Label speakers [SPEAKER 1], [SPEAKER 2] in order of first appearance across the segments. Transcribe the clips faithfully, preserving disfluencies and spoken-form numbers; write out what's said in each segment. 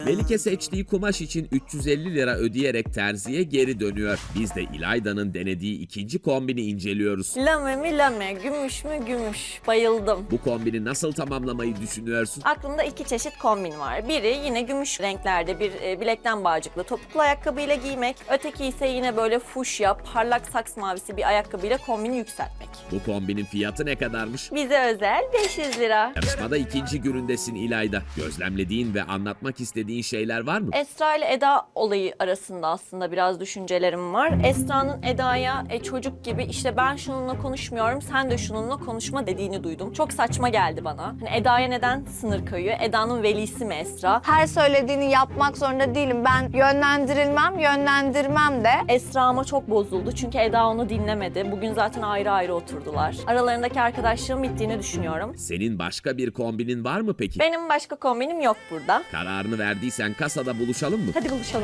[SPEAKER 1] Melike seçtiği kumaş için üç yüz elli lira ödeyerek terziye geri dönüyor. Biz de İlayda'nın denediği ikinci kombini inceliyoruz.
[SPEAKER 2] Lame mi lame, gümüş mü gümüş. Bayıldım.
[SPEAKER 1] Bu kombini nasıl tamamlamayı düşünüyorsun?
[SPEAKER 2] Aklımda iki çeşit kombin var. Biri yine gümüş renklerde bir e, bilekten bağcıklı topuklu ayakkabıyla giymek. Öteki ise yine böyle fuşya, parlak saks mavisi bir ayakkabıyla kombini yükseltmek.
[SPEAKER 1] Bu kombinin fiyatı ne kadarmış?
[SPEAKER 2] Bize özel beş yüz lira.
[SPEAKER 1] Yarışmada ikinci günündesin İlayda. Gözlemlediğin ve anlatmak istediğin şeyler var mı?
[SPEAKER 2] Esra ile Eda olayı arasında aslında biraz düşüncelerim var. Esra'nın Eda'ya e, çocuk gibi işte ben şununla konuşmuyorum, sen de şununla konuşma dediğini duydum. Çok saçma geldi bana. Hani Eda'ya neden sınır koyuyor? Eda'nın velisi mi Esra?
[SPEAKER 3] Her söylediğini yapmak zorunda değilim. Ben yönlendirilmem, yönlendirmem de.
[SPEAKER 2] Esra ama çok bozuldu çünkü Eda onu dinlemedi. Bugün zaten ayrı ayrı oturdular. Aralarındaki arkadaşlığın bittiğini düşünüyorum.
[SPEAKER 1] Senin başka bir kombinin var mı peki?
[SPEAKER 2] Benim başka kombinim yok burada.
[SPEAKER 1] Kararını verdiysen kasada buluşalım mı?
[SPEAKER 2] Hadi buluşalım.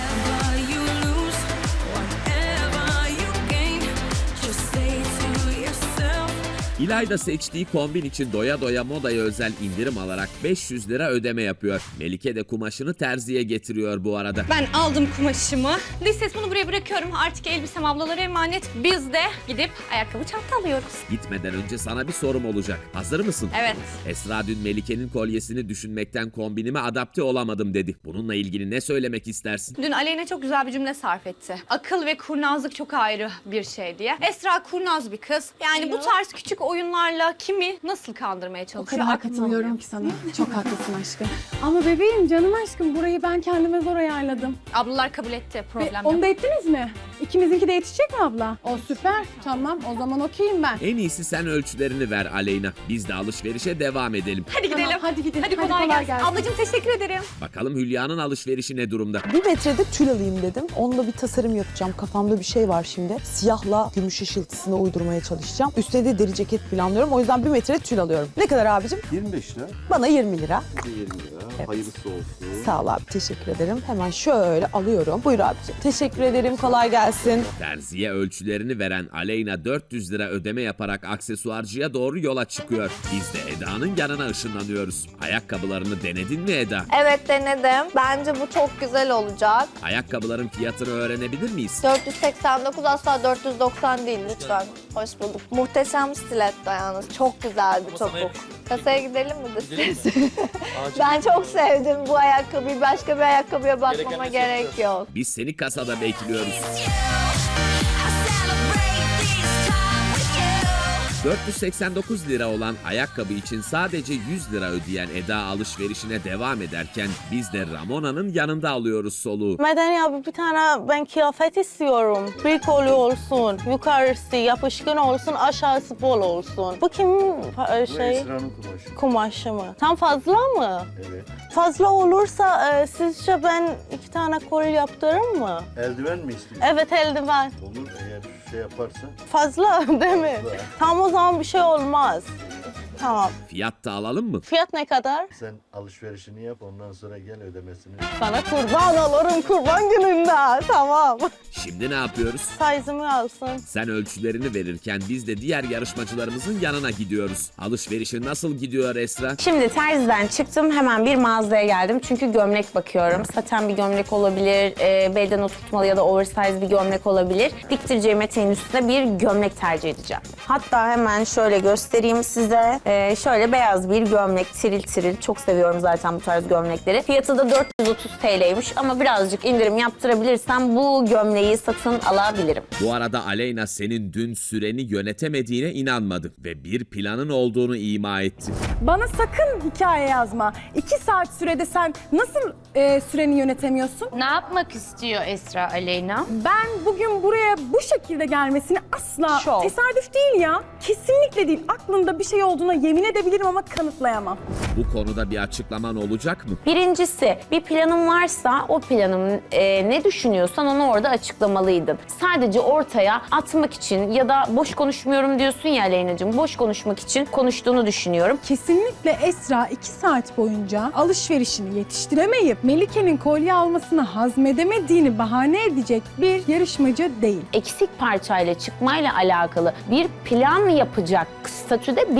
[SPEAKER 1] İlayda seçtiği kombin için doya doya modaya özel indirim alarak beş yüz lira ödeme yapıyor. Melike de kumaşını terziye getiriyor bu arada.
[SPEAKER 4] Ben aldım kumaşımı. Lisset bunu buraya bırakıyorum. Artık elbisem ablalara emanet. Biz de gidip ayakkabı çanta alıyoruz.
[SPEAKER 1] Gitmeden önce sana bir sorum olacak. Hazır mısın?
[SPEAKER 4] Evet.
[SPEAKER 1] Esra dün Melike'nin kolyesini düşünmekten kombinime adapte olamadım dedi. Bununla ilgili ne söylemek istersin?
[SPEAKER 4] Dün Aleyna çok güzel bir cümle sarf etti. Akıl ve kurnazlık çok ayrı bir şey diye. Esra kurnaz bir kız. Yani bu tarz küçük oyunlarla kimi nasıl kandırmaya
[SPEAKER 5] O
[SPEAKER 4] çalışıyor?
[SPEAKER 5] kadar
[SPEAKER 4] Aklım
[SPEAKER 5] katılıyorum
[SPEAKER 4] almıyor.
[SPEAKER 5] ki sana. Çok haklısın aşkım. Ama bebeğim, canım aşkım, burayı ben kendime zor ayarladım.
[SPEAKER 4] Ablalar kabul etti.
[SPEAKER 5] Ve
[SPEAKER 4] Problem
[SPEAKER 5] onu
[SPEAKER 4] yok.
[SPEAKER 5] da ettiniz mi? İkimizinki de yetişecek mi abla? O süper. Tamam, o zaman okeyim ben.
[SPEAKER 1] En iyisi sen ölçülerini ver Aleyna. Biz de alışverişe devam edelim.
[SPEAKER 4] Hadi gidelim.
[SPEAKER 5] Tamam, hadi gidelim.
[SPEAKER 4] Hadi
[SPEAKER 5] Hadi
[SPEAKER 4] kolay,
[SPEAKER 5] kolay
[SPEAKER 4] gelsin.
[SPEAKER 5] gelsin.
[SPEAKER 4] Ablacığım teşekkür ederim.
[SPEAKER 1] Bakalım Hülya'nın alışverişi ne durumda?
[SPEAKER 6] Bir metrede tül alayım dedim. Onunla bir tasarım yapacağım. Kafamda bir şey var şimdi. Siyahla gümüş ışıltısını uydurmaya çalışacağım. Üstüne de deri ceket planlıyorum. O yüzden bir metre tül alıyorum. Ne kadar abicim?
[SPEAKER 7] yirmi beş lira.
[SPEAKER 6] Bana yirmi lira.
[SPEAKER 7] yirmi lira.
[SPEAKER 6] Evet.
[SPEAKER 7] Hayırlısı olsun.
[SPEAKER 6] Sağ ol abi, teşekkür ederim. Hemen şöyle alıyorum. Buyur abicim. Teşekkür ederim, kolay gelsin.
[SPEAKER 1] Terziye ölçülerini veren Aleyna dört yüz lira ödeme yaparak aksesuarcıya doğru yola çıkıyor. Biz de Eda'nın yanına ışınlanıyoruz. Ayakkabılarını denedin mi Eda?
[SPEAKER 3] Evet, denedim. Bence bu çok güzel olacak.
[SPEAKER 1] Ayakkabıların fiyatını öğrenebilir miyiz?
[SPEAKER 3] dört yüz seksen dokuz, asla dört yüz doksan değil lütfen. Hoş bulduk. Muhteşem stiletto yalnız. Çok güzel bir topuk. Kasaya gidelim mi de siz? Ben çok sevdim bu ayakkabıyı. Başka bir ayakkabıya bakmama gerek yok.
[SPEAKER 1] Biz seni kasada bekliyoruz. dört yüz seksen dokuz lira olan ayakkabı için sadece yüz lira ödeyen Eda alışverişine devam ederken biz de Ramona'nın yanında alıyoruz soluğu.
[SPEAKER 8] Medeni abi, bir tane ben kıyafet istiyorum. Bir kolu olsun, yukarısı yapışkan olsun, aşağısı bol olsun. Bu kimin e, şey?
[SPEAKER 7] Esra'nın kumaşı.
[SPEAKER 8] Kumaşı mı? Tam fazla mı?
[SPEAKER 7] Evet.
[SPEAKER 8] Fazla olursa e, sizce ben iki tane kol yaptırırım mı?
[SPEAKER 7] Eldiven mi istiyorsun?
[SPEAKER 8] Evet, eldiven.
[SPEAKER 7] Olur, eğer şey yaparsan.
[SPEAKER 8] Fazla değil mi?
[SPEAKER 7] Fazla.
[SPEAKER 8] Tam o zaman bir şey olmaz. Tamam.
[SPEAKER 1] Fiyat da alalım mı?
[SPEAKER 8] Fiyat ne kadar?
[SPEAKER 7] Sen alışverişini yap, ondan sonra gel ödemesini.
[SPEAKER 8] Sana kurban olurum kurban gününde. Tamam.
[SPEAKER 1] Şimdi ne yapıyoruz?
[SPEAKER 8] Size'ımı alsın.
[SPEAKER 1] Sen ölçülerini verirken biz de diğer yarışmacılarımızın yanına gidiyoruz. Alışverişi nasıl gidiyor Esra?
[SPEAKER 9] Şimdi terziden çıktım, hemen bir mağazaya geldim çünkü gömlek bakıyorum. Saten bir gömlek olabilir, e, beden oturtmalı ya da oversize bir gömlek olabilir. Diktireceğim eteğin üstüne bir gömlek tercih edeceğim. Hatta hemen şöyle göstereyim size. E, şöyle beyaz bir gömlek, tiril tiril. Çok seviyorum zaten bu tarz gömlekleri. Fiyatı da dört yüz otuz T L'ymiş ama birazcık indirim yaptırabilirsem bu gömleği satın alabilirim.
[SPEAKER 1] Bu arada Aleyna senin dün süreni yönetemediğine inanmadı ve bir planın olduğunu ima etti.
[SPEAKER 5] Bana sakın hikaye yazma. İki saat sürede sen nasıl e, süreni yönetemiyorsun?
[SPEAKER 10] Ne yapmak istiyor Esra Aleyna?
[SPEAKER 5] Ben bugün buraya bu şekilde gelmesini asla
[SPEAKER 9] Şov.
[SPEAKER 5] tesadüf değil ya. Kesinlikle değil. Aklımda bir şey olduğuna yemin edebilirim ama kanıtlayamam.
[SPEAKER 1] Bu konuda bir açıklaman olacak mı?
[SPEAKER 9] Birincisi, bir planın varsa o planın e, ne düşünüyorsan onu orada açıklamalıydın. Sadece ortaya atmak için ya da boş konuşmuyorum diyorsun ya Aleyna'cığım, boş konuşmak için konuştuğunu düşünüyorum.
[SPEAKER 5] Kesinlikle Esra iki saat boyunca alışverişini yetiştiremeyip Melike'nin kolye almasını hazmedemediğini bahane edecek bir yarışmacı değil.
[SPEAKER 9] Eksik parçayla çıkmayla alakalı bir plan yapacak statüde bir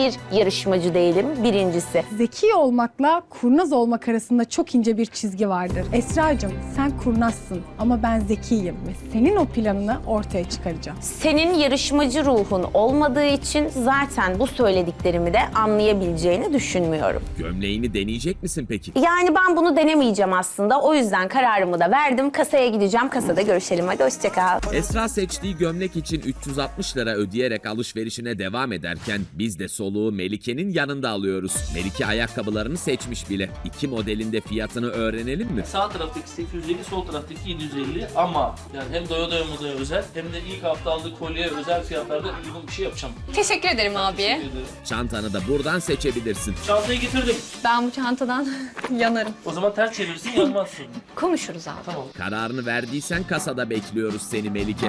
[SPEAKER 9] yarışmacı değilim birincisi.
[SPEAKER 5] Zeki olmakla kurnaz olmak arasında çok ince bir çizgi vardır. Esra'cığım sen kurnazsın ama ben zekiyim ve senin o planını ortaya çıkaracağım.
[SPEAKER 9] Senin yarışmacı ruhun olmadığı için zaten bu söylediklerimi de anlayabileceğini düşünmüyorum.
[SPEAKER 1] Gömleğini deneyecek misin peki?
[SPEAKER 9] Yani ben bunu denemeyeceğim aslında. O yüzden kararımı da verdim. Kasaya gideceğim. Kasada görüşelim. Hadi hoşça kal.
[SPEAKER 1] Esra seçtiği gömlek için üç yüz altmış lira ödeyerek alışverişine devam ederken biz de soluğu Melike'nin yanında alıyoruz. Melike ayakkabılarını seçmiş bile. İki modelinde fiyatını öğrenelim mi?
[SPEAKER 11] Sağ taraftaki sekiz yüz elli, sol taraftaki yedi yüz elli ama yani hem doya doya modaya özel hem de ilk hafta aldığı kolyeye özel fiyatlarda uygun bir şey yapacağım.
[SPEAKER 4] Teşekkür ederim abi.
[SPEAKER 11] Teşekkür ederim.
[SPEAKER 1] Çantanı da buradan seçebilirsin.
[SPEAKER 11] Çantayı getirdim.
[SPEAKER 4] Ben bu çantadan yanarım.
[SPEAKER 11] O zaman ters çevirirsin yanmazsın.
[SPEAKER 4] Konuşuruz abi.
[SPEAKER 11] Tamam.
[SPEAKER 1] Kararını verdiysen kasada bekliyoruz seni Melike.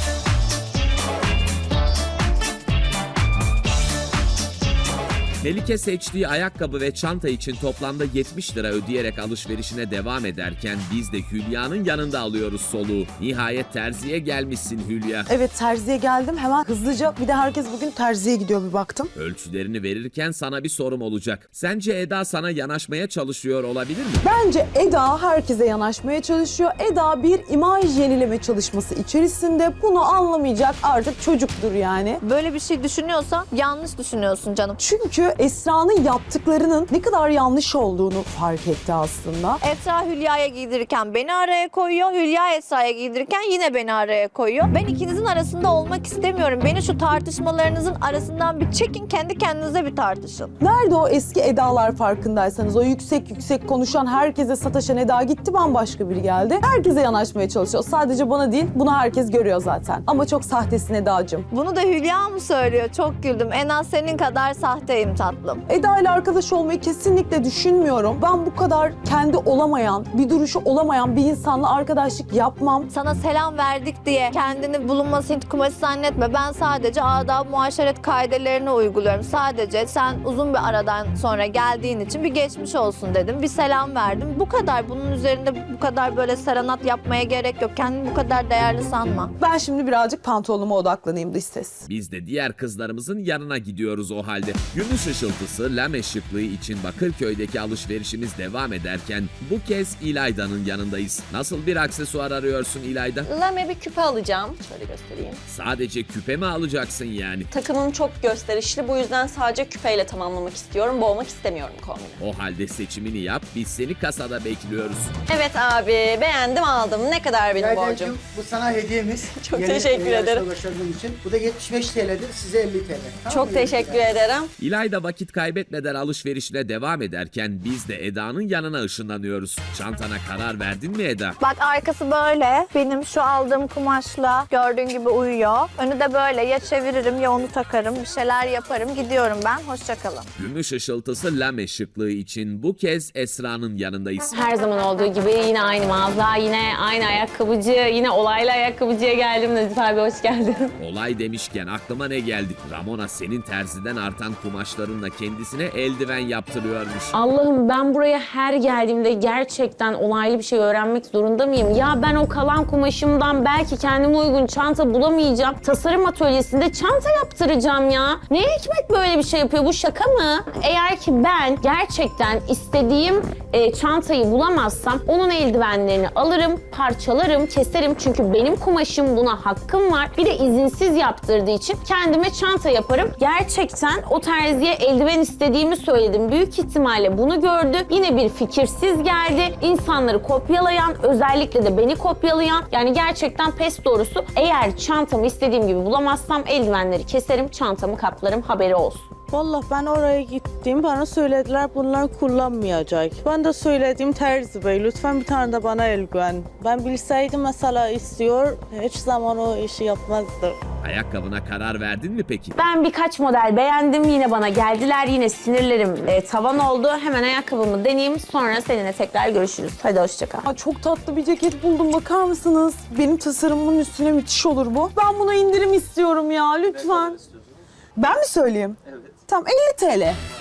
[SPEAKER 1] Melike seçtiği ayakkabı ve çanta için toplamda yetmiş lira ödeyerek alışverişine devam ederken biz de Hülya'nın yanında alıyoruz soluğu. Nihayet terziye gelmişsin Hülya.
[SPEAKER 6] Evet terziye geldim hemen hızlıca. Bir de herkes bugün terziye gidiyor bir baktım.
[SPEAKER 1] Ölçülerini verirken sana bir sorum olacak. Sence Eda sana yanaşmaya çalışıyor olabilir mi?
[SPEAKER 6] Bence Eda herkese yanaşmaya çalışıyor. Eda bir imaj yenileme çalışması içerisinde. Bunu anlamayacak artık çocuktur yani.
[SPEAKER 3] Böyle bir şey düşünüyorsan yanlış düşünüyorsun canım.
[SPEAKER 6] Çünkü Esra'nın yaptıklarının ne kadar yanlış olduğunu fark etti aslında.
[SPEAKER 3] Esra Hülya'ya giydirirken beni araya koyuyor. Hülya Esra'ya giydirirken yine beni araya koyuyor. Ben ikinizin arasında olmak istemiyorum. Beni şu tartışmalarınızın arasından bir çekin, kendi kendinize bir tartışın.
[SPEAKER 6] Nerede o eski Eda'lar farkındaysanız? O yüksek yüksek konuşan, herkese sataşan Eda gitti, bambaşka biri geldi. Herkese yanaşmaya çalışıyor. Sadece bana değil, bunu herkes görüyor zaten. Ama çok sahtesin Eda'cığım.
[SPEAKER 3] Bunu da Hülya mı söylüyor? Çok güldüm. En az senin kadar sahteyim tatlım.
[SPEAKER 6] Eda ile arkadaş olmayı kesinlikle düşünmüyorum. Ben bu kadar kendi olamayan, bir duruşu olamayan bir insanla arkadaşlık yapmam.
[SPEAKER 3] Sana selam verdik diye kendini bulunmaz Hint kumaşı zannetme. Ben sadece adab muaşeret kaidelerini uyguluyorum. Sadece sen uzun bir aradan sonra geldiğin için bir geçmiş olsun dedim. Bir selam verdim. Bu kadar. Bunun üzerinde bu kadar böyle serenat yapmaya gerek yok. Kendini bu kadar değerli sanma.
[SPEAKER 6] Ben şimdi birazcık pantolonuma odaklanayım dış ses.
[SPEAKER 1] Biz de diğer kızlarımızın yanına gidiyoruz o halde. Gümüş ışıltısı, lame şıklığı için Bakırköy'deki alışverişimiz devam ederken bu kez İlayda'nın yanındayız. Nasıl bir aksesuar arıyorsun İlayda?
[SPEAKER 2] Lame bir küpe alacağım. Şöyle göstereyim.
[SPEAKER 1] Sadece küpe mi alacaksın yani?
[SPEAKER 2] Takımım çok gösterişli. Bu yüzden sadece küpeyle tamamlamak istiyorum. Boğmak istemiyorum kombini.
[SPEAKER 1] O halde seçimini yap, biz seni kasada bekliyoruz.
[SPEAKER 2] Evet abi, beğendim aldım. Ne kadar benim borcum?
[SPEAKER 12] Yaydacığım, bu sana hediyemiz.
[SPEAKER 2] Çok
[SPEAKER 12] Yeni
[SPEAKER 2] teşekkür
[SPEAKER 12] yarışma
[SPEAKER 2] ederim.
[SPEAKER 12] başardığın için. Bu da yetmiş beş TL'dir, size elli TL. Tamam
[SPEAKER 2] Çok
[SPEAKER 12] mı?
[SPEAKER 2] teşekkür ederim.
[SPEAKER 1] İlayda vakit kaybetmeden alışverişine devam ederken biz de Eda'nın yanına ışınlanıyoruz. Çantana karar verdin mi Eda?
[SPEAKER 3] Bak arkası böyle. Benim şu aldığım kumaşla gördüğün gibi uyuyor. Önü de böyle. Ya çeviririm ya onu takarım. Bir şeyler yaparım. Gidiyorum ben. Hoşça kalın.
[SPEAKER 1] Gümüş ışıltısı lame şıklığı için bu kez Esra'nın yanındayız.
[SPEAKER 9] Her zaman olduğu gibi yine aynı mağaza, yine aynı ayakkabıcı, yine olaylı ayakkabıcıya geldim. Nazif abi hoş geldin.
[SPEAKER 1] Olay demişken aklıma ne geldi? Ramona senin terziden artan kumaşlarınla kendisine eldiven yaptırıyormuş.
[SPEAKER 9] Allah'ım ben buraya her geldiğimde gerçekten olaylı bir şey öğrenmek zorunda mıyım? Ya ben o kalan kumaşımdan belki kendime uygun çanta bulamayacağım. Tasarım atölyesinde çanta yaptıracağım ya. Ne hikmet böyle bir şey yapıyor? Bu şaka mı? Eğer ki ben gerçekten istediğim e, çantayı bulamazsam onun eldivenlerini alırım, parçalarım, keserim. Çünkü benim kumaşım buna hakkım var. Bir de izinsiz yaptırdığı için kendime çanta yaparım. Gerçekten o terziye eldiven istediğimi söyledim. Büyük ihtimalle bunu gördü. Yine bir fikirsiz geldi. İnsanları kopyalayan, özellikle de beni kopyalayan. Yani gerçekten pes doğrusu. Eğer çantamı istediğim gibi bulamazsam eldivenleri keserim, çantamı kaplarım, haberi olsun.
[SPEAKER 8] Vallahi ben oraya gittim, bana söylediler bunlar kullanmayacak. Ben de söyledim Terzi Bey, lütfen bir tane de bana eldiven. Ben bilseydim mesela istiyor, hiç zaman o işi yapmazdı.
[SPEAKER 1] Ayakkabına karar verdin mi peki?
[SPEAKER 9] Ben birkaç model beğendim. Yine bana geldiler. Yine sinirlerim e, tavan oldu. Hemen ayakkabımı deneyeyim. Sonra seninle tekrar görüşürüz. Hadi hoşça kal.
[SPEAKER 6] Aa, çok tatlı bir ceket buldum, bakar mısınız? Benim tasarımımın üstüne müthiş olur bu. Ben buna indirim istiyorum ya, lütfen. Ben mi söyleyeyim? Evet. Tamam, elli TL.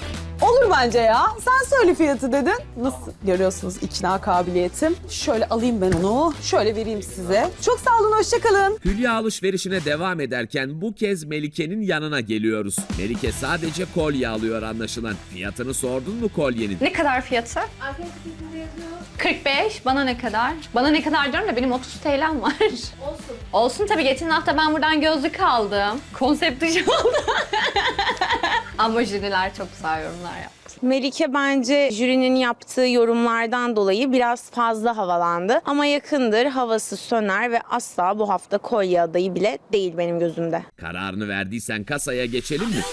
[SPEAKER 6] Olur bence ya. Sen söyle fiyatı dedin. Nasıl görüyorsunuz ikna kabiliyetim? Şöyle alayım ben onu. Şöyle vereyim size. Çok sağ olun, hoşça kalın.
[SPEAKER 1] Hülya alışverişine devam ederken bu kez Melike'nin yanına geliyoruz. Melike sadece kolye alıyor anlaşılan. Fiyatını sordun mu kolyenin?
[SPEAKER 4] Ne kadar fiyatı? kırk beş. Bana ne kadar? Bana ne kadar diyorum da benim otuz T L'm var. Olsun. Olsun tabii. Geçen hafta ben buradan gözlük aldım. Konsept dışı oldu. Ama jüriler çok güzel yorumlar yaptı.
[SPEAKER 9] Melike bence jürinin yaptığı yorumlardan dolayı biraz fazla havalandı. Ama yakındır, havası söner ve asla bu hafta kolye adayı bile değil benim gözümde.
[SPEAKER 1] Kararını verdiysen kasaya geçelim mi?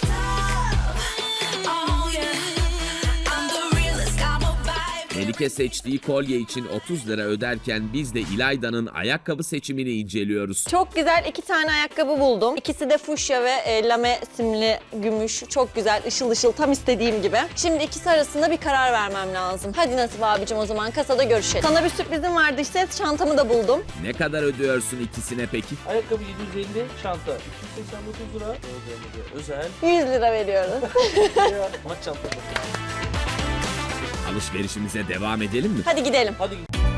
[SPEAKER 1] Melike seçtiği kolye için otuz lira öderken biz de İlayda'nın ayakkabı seçimini inceliyoruz.
[SPEAKER 2] Çok güzel iki tane ayakkabı buldum. İkisi de fuşya ve e, lame simli gümüş. Çok güzel, ışıl ışıl, tam istediğim gibi. Şimdi ikisi arasında bir karar vermem lazım. Hadi Nasip abicim, o zaman kasada görüşelim. Sana bir sürprizim vardı işte, çantamı da buldum.
[SPEAKER 1] Ne kadar ödüyorsun ikisine peki?
[SPEAKER 11] Ayakkabı yedi yüz elli, çanta iki yüz seksen dokuz lira. Özel.
[SPEAKER 2] yüz lira veriyoruz.
[SPEAKER 11] Maç çantası.
[SPEAKER 1] Alışverişimize devam edelim mi?
[SPEAKER 2] Hadi gidelim.
[SPEAKER 11] Hadi.